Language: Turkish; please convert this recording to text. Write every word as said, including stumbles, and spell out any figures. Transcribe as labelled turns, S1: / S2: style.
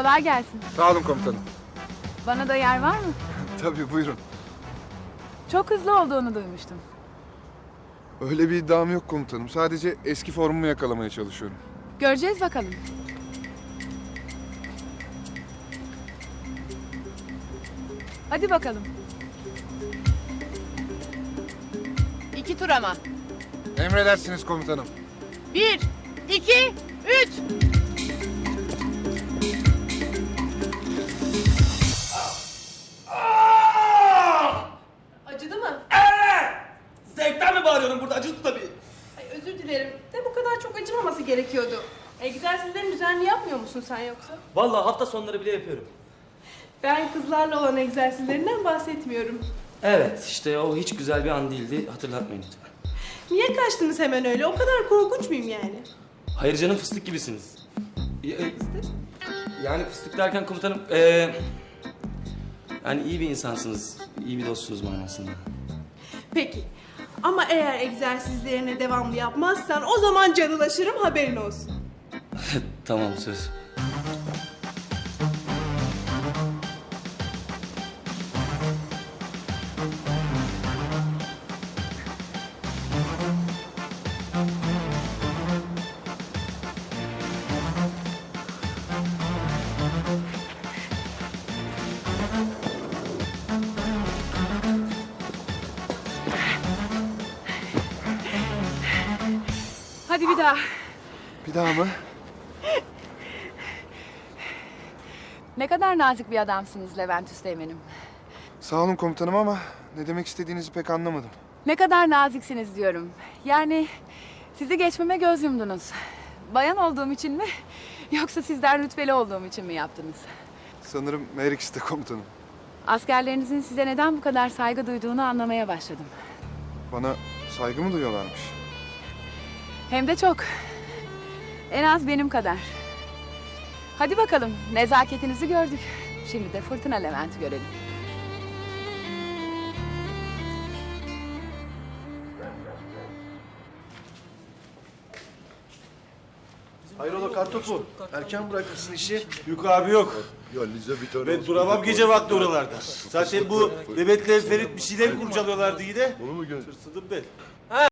S1: Kolay gelsin.
S2: Sağ olun komutanım.
S1: Bana da yer var mı?
S2: Tabii buyurun.
S1: Çok hızlı olduğunu duymuştum.
S2: Öyle bir iddiam yok komutanım. Sadece eski formumu yakalamaya çalışıyorum.
S1: Göreceğiz bakalım. Hadi bakalım. İki tur ama.
S2: Emredersiniz komutanım.
S1: Bir, iki, üç.
S3: Acıdı mı?
S4: Zevkten mi bağırıyorum burada? Acıdı tabii.
S3: Ay, özür dilerim. De bu kadar çok acımaması gerekiyordu. Egzersizlerini düzenli yapmıyor musun sen yoksa?
S4: Vallahi hafta sonları bile yapıyorum.
S3: Ben kızlarla olan egzersizlerinden bahsetmiyorum.
S4: Evet, işte o hiç güzel bir an değildi. Hatırlatmayın lütfen.
S3: Niye kaçtınız hemen öyle? O kadar korkunç muyum yani?
S4: Hayır canım, fıstık gibisiniz. Ya- Yani fıstık derken komutanım, ee, yani iyi bir insansınız, iyi bir dostsunuz manasında.
S3: Peki. Ama eğer egzersizlerine devamlı yapmazsan o zaman canılaşırım, haberin olsun.
S4: Tamam, söz.
S1: Hadi bir daha.
S2: Bir daha mı?
S1: Ne kadar nazik bir adamsınız Levent Üsteğmen'im.
S2: Sağ olun komutanım ama ne demek istediğinizi pek anlamadım.
S1: Ne kadar naziksiniz diyorum. Yani sizi geçmeme göz yumdunuz. Bayan olduğum için mi? Yoksa sizden rütbeli olduğum için mi yaptınız?
S2: Sanırım her ikisi de komutanım.
S1: Askerlerinizin size neden bu kadar saygı duyduğunu anlamaya başladım.
S2: Bana saygı mı duyuyorlarmış?
S1: Hem de çok. En az benim kadar. Hadi bakalım, nezaketinizi gördük. Şimdi de Fırtına Levent'i görelim.
S5: Hayrola kartopu? Erken bırakmışsın işi.
S6: Yok abi yok.
S5: Ya Lize bir tane
S6: Ben
S5: olsun.
S6: duramam gece vakti oralarda. Zaten bu Mehmet'le Ferit bir şeyler kurcalıyorlardı yine.
S5: Onu mu gö-
S6: Tırsıdım ben.